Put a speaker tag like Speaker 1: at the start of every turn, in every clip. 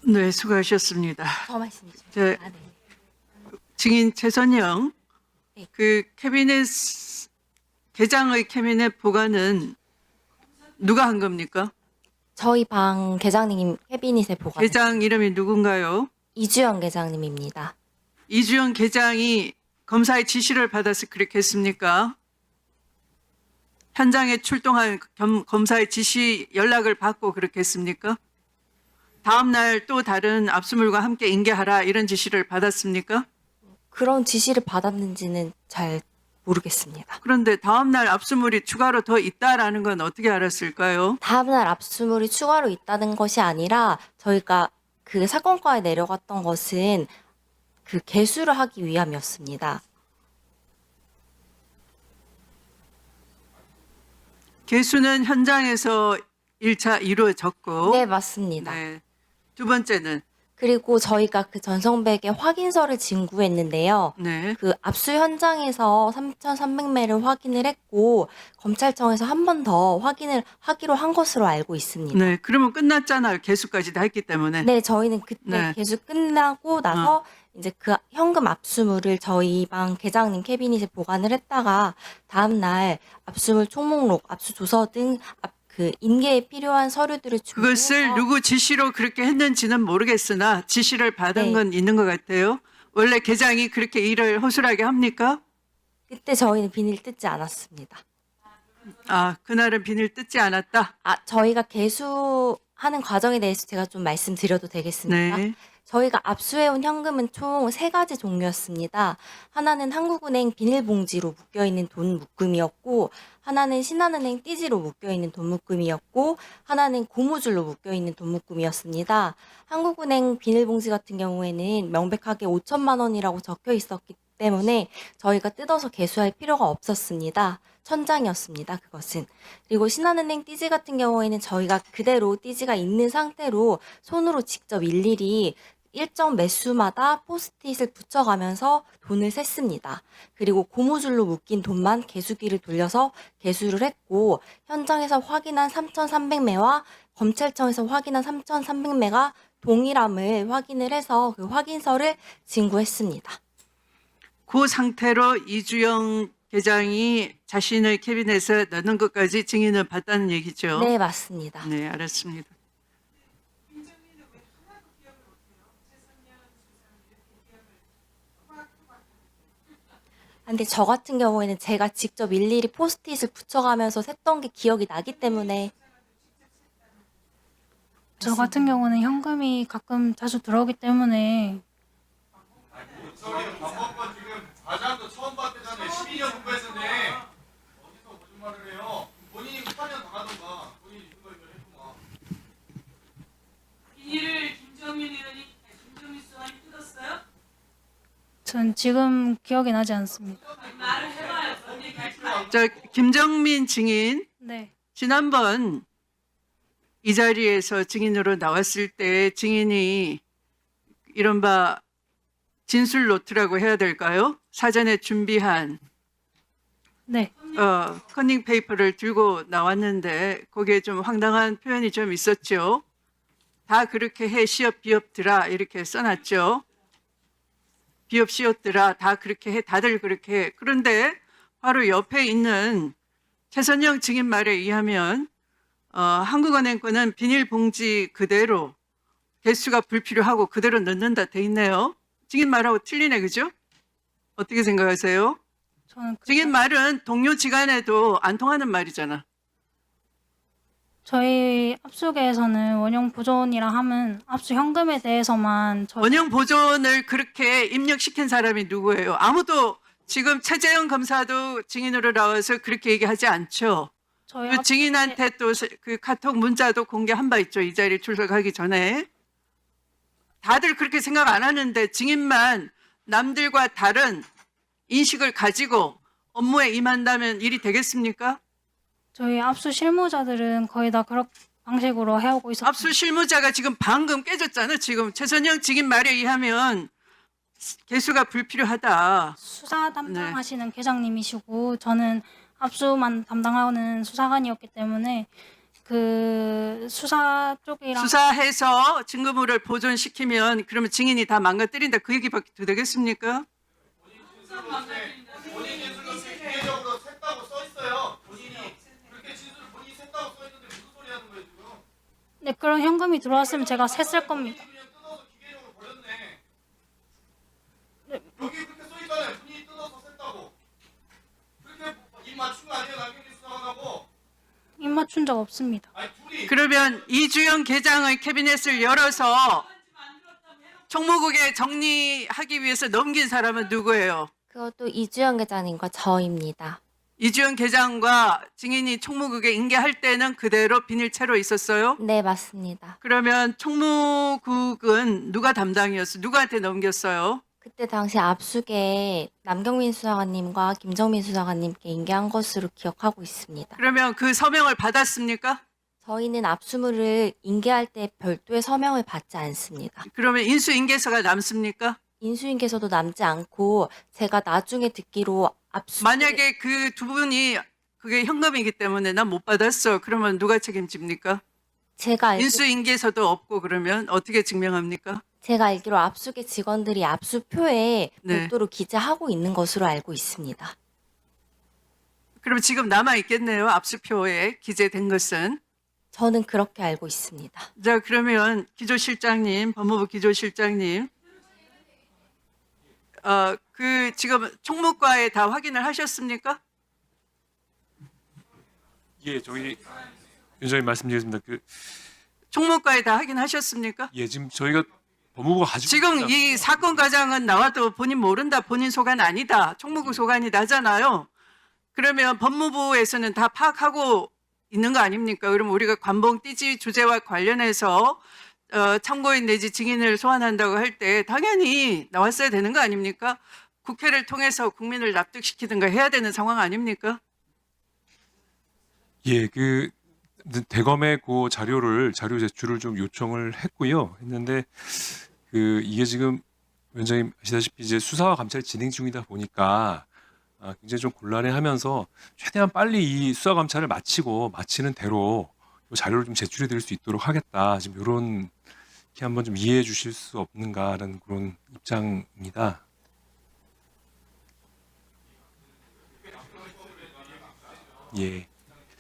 Speaker 1: 네, 수고하셨습니다.
Speaker 2: 더 말씀이시죠?
Speaker 1: 네.
Speaker 2: 아, 네.
Speaker 1: 증인 최선영,
Speaker 2: 네.
Speaker 1: 그 캐비넷 계장의 캐비넷 보관은 누가 한 겁니까?
Speaker 2: 저희 방 계장님 캐비닛에 보관.
Speaker 1: 계장 이름이 누군가요?
Speaker 2: 이주영 계장님입니다.
Speaker 1: 이주영 계장이 검사의 지시를 받아서 그렇게 했습니까? 현장에 출동한 검사의 지시 연락을 받고 그렇게 했습니까? 다음 날 또 다른 압수물과 함께 인계하라 이런 지시를 받았습니까?
Speaker 2: 그런 지시를 받았는지는 잘 모르겠습니다.
Speaker 1: 그런데 다음 날 압수물이 추가로 더 있다라는 건 어떻게 알았을까요?
Speaker 2: 다음날 압수물이 추가로 있다는 것이 아니라 저희가 그 사건과에 내려갔던 것은 그 개수를 하기 위함이었습니다.
Speaker 1: 개수는 현장에서 1차 이루어졌고,
Speaker 2: 네, 맞습니다.
Speaker 1: 네. 두 번째는,
Speaker 2: 그리고 저희가 그 전성백의 확인서를 진구했는데요.
Speaker 1: 네.
Speaker 2: 그 압수 현장에서 3,300매를 확인을 했고 검찰청에서 한 번 더 확인을 하기로 한 것으로 알고 있습니다.
Speaker 1: 네. 그러면 끝났잖아요. 개수까지 다 했기 때문에.
Speaker 2: 네, 저희는 그때
Speaker 1: 네.
Speaker 2: 개수 끝나고 나서 이제 그 현금 압수물을 저희 방 계장님 캐비닛에 보관을 했다가 다음 날 압수물 총목록, 압수조서 등 그 인계에 필요한 서류들을
Speaker 1: 그것을
Speaker 2: 준비해서
Speaker 1: 누구 지시로 그렇게 했는지는 모르겠으나 지시를 받은
Speaker 2: 네.
Speaker 1: 건 있는 것 같아요. 원래 계장이 그렇게 일을 허술하게 합니까?
Speaker 2: 그때 저희는 비닐 뜯지 않았습니다.
Speaker 1: 아, 그날은 비닐 뜯지 않았다.
Speaker 2: 저희가 개수하는 과정에 대해서 제가 좀 말씀드려도 되겠습니까?
Speaker 1: 네.
Speaker 2: 저희가 압수해온 현금은 총 3가지 종류였습니다. 하나는 한국은행 비닐봉지로 묶여있는 돈 묶음이었고, 하나는 신한은행 띠지로 묶여있는 돈 묶음이었고, 하나는 고무줄로 묶여있는 돈 묶음이었습니다. 한국은행 비닐봉지 같은 경우에는 명백하게 5천만 원이라고 적혀 있었기 때문에 저희가 뜯어서 개수할 필요가 없었습니다. 천장이었습니다. 그것은. 그리고 신한은행 띠지 같은 경우에는 저희가 그대로 띠지가 있는 상태로 손으로 직접 일일이 일정 매수마다 포스트잇을 붙여가면서 돈을 셌습니다. 그리고 고무줄로 묶인 돈만 개수기를 돌려서 개수를 했고 현장에서 확인한 3,300매와 검찰청에서 확인한 3,300매가 동일함을 확인을 해서 그 확인서를 진구했습니다.
Speaker 1: 그 상태로 이주영 계장이 자신의 캐비넷에 넣는 것까지 증인을 봤다는 얘기죠.
Speaker 2: 네, 맞습니다.
Speaker 1: 네, 알았습니다.
Speaker 2: 근데 저 같은 경우에는 제가 직접 일일이 포스트잇을 붙여가면서 셌던 게 기억이 나기 때문에
Speaker 3: 저 같은 경우는 현금이 가끔 자주 들어오기 때문에
Speaker 4: 저기 박범건 지금 과장도 처음 봤대잖아요. 12년 공부했는데 어디서 거짓말을 해요? 본인이 8년 당하던가 본인이 이거 했구만.
Speaker 5: 비닐을 김정민 의원이 김정민 수석이 뜯었어요?
Speaker 3: 전 지금 기억이 나지 않습니다.
Speaker 5: 말을 해봐요. 뭔 얘기할까요?
Speaker 1: 저 김정민 증인
Speaker 3: 네,
Speaker 1: 지난번 이 자리에서 증인으로 나왔을 때 증인이 이른바 진술 노트라고 해야 될까요? 사전에 준비한
Speaker 3: 네,
Speaker 1: 커닝 페이퍼를 들고 나왔는데 거기에 좀 황당한 표현이 좀 있었죠. 다 그렇게 해 시업 비업들아 이렇게 써놨죠. 비업 시업들아 다 그렇게 해 다들 그렇게 해. 그런데 바로 옆에 있는 최선영 증인 말에 의하면 한국은행 거는 비닐봉지 그대로 개수가 불필요하고 그대로 넣는다 돼 있네요. 증인 말하고 틀리네, 그죠? 어떻게 생각하세요?
Speaker 3: 저는
Speaker 1: 증인 말은 동료 지간에도 안 통하는 말이잖아.
Speaker 3: 저희 압수계에서는 원형 보존이라 하면 압수 현금에 대해서만
Speaker 1: 원형 보존을 그렇게 입력시킨 사람이 누구예요? 아무도 지금 최재형 검사도 증인으로 나와서 그렇게 얘기하지 않죠.
Speaker 3: 저희
Speaker 1: 그 증인한테 또 그 카톡 문자도 공개한 바 있죠. 이 자리에 출석하기 전에. 다들 그렇게 생각 안 하는데 증인만 남들과 다른 인식을 가지고 업무에 임한다면 일이 되겠습니까?
Speaker 3: 저희 압수 실무자들은 거의 다 그런 방식으로 해오고 있었습니다.
Speaker 1: 압수 실무자가 지금 방금 깨졌잖아. 지금 최선영 증인 말에 의하면 개수가 불필요하다.
Speaker 3: 수사 담당하시는 계장님이시고 저는 압수만 담당하는 수사관이었기 때문에 그 수사 쪽이랑
Speaker 1: 수사해서 증거물을 보존시키면 그러면 증인이 다 망가뜨린다 그 얘기밖에 더 되겠습니까?
Speaker 4: 본인 진술서에 기계적으로 샜다고 써 있어요. 본인이 그렇게 진술을 본인이 샜다고 써 있는데 무슨 소리 하는 거예요 지금?
Speaker 3: 네, 그런 현금이 들어왔으면 제가 셌을 겁니다.
Speaker 4: 그냥 뜯어서 기계적으로 버렸네. 여기 그렇게 써 있잖아요. 본인이 뜯어서 샜다고. 그렇게 입 맞춘 거 아니에요 남경민 수사관하고?
Speaker 3: 입 맞춘 적 없습니다.
Speaker 4: 아니 둘이
Speaker 1: 그러면 이주영 계장의 캐비넷을 열어서 총무국에 정리하기 위해서 넘긴 사람은 누구예요?
Speaker 2: 그것도 이주영 계장님과 저입니다.
Speaker 1: 이주영 계장과 증인이 총무국에 인계할 때는 그대로 비닐채로 있었어요?
Speaker 2: 네, 맞습니다.
Speaker 1: 그러면 총무국은 누가 담당이었어요? 누구한테 넘겼어요?
Speaker 2: 그때 당시 압수에 남경민 수사관님과 김정민 수사관님께 인계한 것으로 기억하고 있습니다.
Speaker 1: 그러면 그 서명을 받았습니까?
Speaker 2: 저희는 압수물을 인계할 때 별도의 서명을 받지 않습니다.
Speaker 1: 그러면 인수인계서가 남습니까?
Speaker 2: 인수인계서도 남지 않고 제가 나중에 듣기로
Speaker 1: 만약에 그 두 분이 그게 현금이기 때문에 난 못 받았어. 그러면 누가 책임집니까? 인수인계서도 없고 그러면 어떻게 증명합니까?
Speaker 2: 제가 알기로 압수계 직원들이 압수표에
Speaker 1: 네.
Speaker 2: 별도로 기재하고 있는 것으로 알고 있습니다.
Speaker 1: 그럼 지금 남아 있겠네요. 압수표에 기재된 것은.
Speaker 2: 저는 그렇게 알고 있습니다.
Speaker 1: 자, 그러면 기조실장님, 법무부 기조실장님, 그 지금 총무과에 다 확인을 하셨습니까?
Speaker 6: 예, 저희 위원장님 말씀드리겠습니다.
Speaker 1: 총무과에 다 확인하셨습니까?
Speaker 6: 예, 지금 저희가 법무부가 가지고
Speaker 1: 지금
Speaker 6: 있는
Speaker 1: 이 사건 과정은 나와도 본인 모른다, 본인 소관 아니다, 총무국 소관이 나잖아요. 그러면 법무부에서는 다 파악하고 있는 거 아닙니까? 그럼 우리가 관봉 띠지 주제와 관련해서 참고인 내지 증인을 소환한다고 할 때 당연히 나왔어야 되는 거 아닙니까? 국회를 통해서 국민을 납득시키든가 해야 되는 상황 아닙니까?
Speaker 6: 예, 대검에 그 자료 제출을 좀 요청을 했는데 이게 지금 위원장님 아시다시피 이제 수사와 감찰이 진행 중이다 보니까 굉장히 좀 곤란해하면서 최대한 빨리 이 수사 감찰을 마치는 대로 이 자료를 좀 제출해 드릴 수 있도록 하겠다. 지금 이런 게 한번 좀 이해해 주실 수 없는가라는 그런 입장입니다. 예.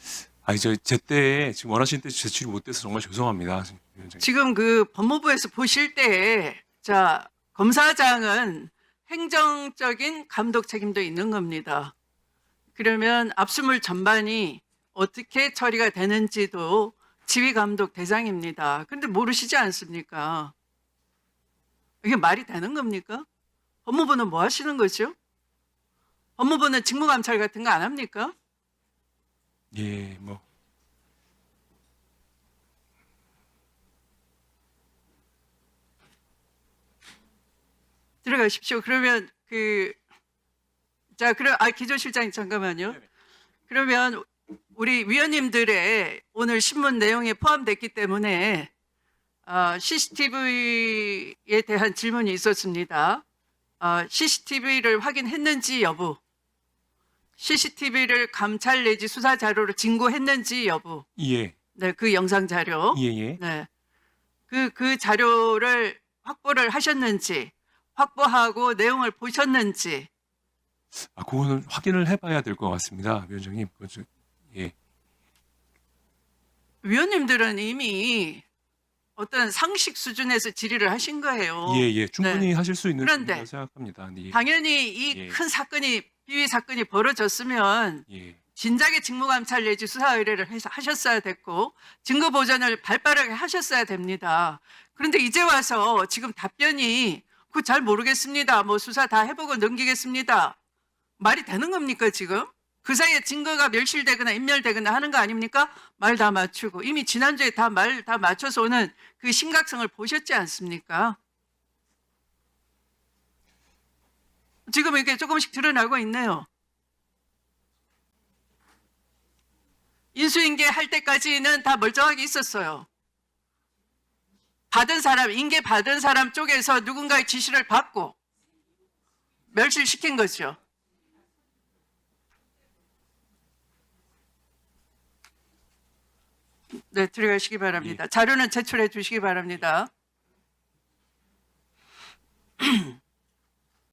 Speaker 6: 제때 지금 원하시는 때 제출이 못 돼서 정말 죄송합니다. 위원장님.
Speaker 1: 지금 그 법무부에서 보실 때, 자, 검사장은 행정적인 감독 책임도 있는 겁니다. 그러면 압수물 전반이 어떻게 처리가 되는지도 지휘 감독 대상입니다. 근데 모르시지 않습니까? 이게 말이 되는 겁니까? 법무부는 뭐 하시는 거죠? 법무부는 직무감찰 같은 거 안 합니까?
Speaker 6: 예, 뭐
Speaker 1: 들어가십시오. 그러면 기조실장님 잠깐만요. 그러면 우리 위원님들의 오늘 신문 내용에 포함됐기 때문에 CCTV에 대한 질문이 있었습니다. CCTV를 확인했는지 여부, CCTV를 감찰 내지 수사 자료로 진고했는지 여부,
Speaker 6: 예,
Speaker 1: 네, 그 영상 자료,
Speaker 6: 예.
Speaker 1: 네, 그 자료를 확보를 하셨는지, 확보하고 내용을 보셨는지.
Speaker 6: 그거는 확인을 해봐야 될 것 같습니다, 위원장님. 예.
Speaker 1: 위원님들은 이미 어떤 상식 수준에서 질의를 하신 거예요.
Speaker 6: 예, 충분히 하실 수 있는
Speaker 1: 그런데
Speaker 6: 부분이라고 생각합니다. 네.
Speaker 1: 당연히 이
Speaker 6: 예.
Speaker 1: 큰 사건이 비위 사건이 벌어졌으면
Speaker 6: 예,
Speaker 1: 진작에 직무감찰 내지 수사 의뢰를 하셨어야 됐고 증거 보전을 발빠르게 하셨어야 됩니다. 그런데 이제 와서 지금 답변이 그거 잘 모르겠습니다. 뭐 수사 다 해보고 넘기겠습니다. 말이 되는 겁니까 지금? 그 사이에 증거가 멸실되거나 인멸되거나 하는 거 아닙니까? 말 다 맞추고 이미 지난주에 말 다 맞춰서 오는 그 심각성을 보셨지 않습니까? 지금 이렇게 조금씩 드러나고 있네요. 인수인계 할 때까지는 다 멀쩡하게 있었어요. 인계 받은 사람 쪽에서 누군가의 지시를 받고 멸실시킨 거죠. 네, 들어가시기 바랍니다. 자료는 제출해 주시기 바랍니다.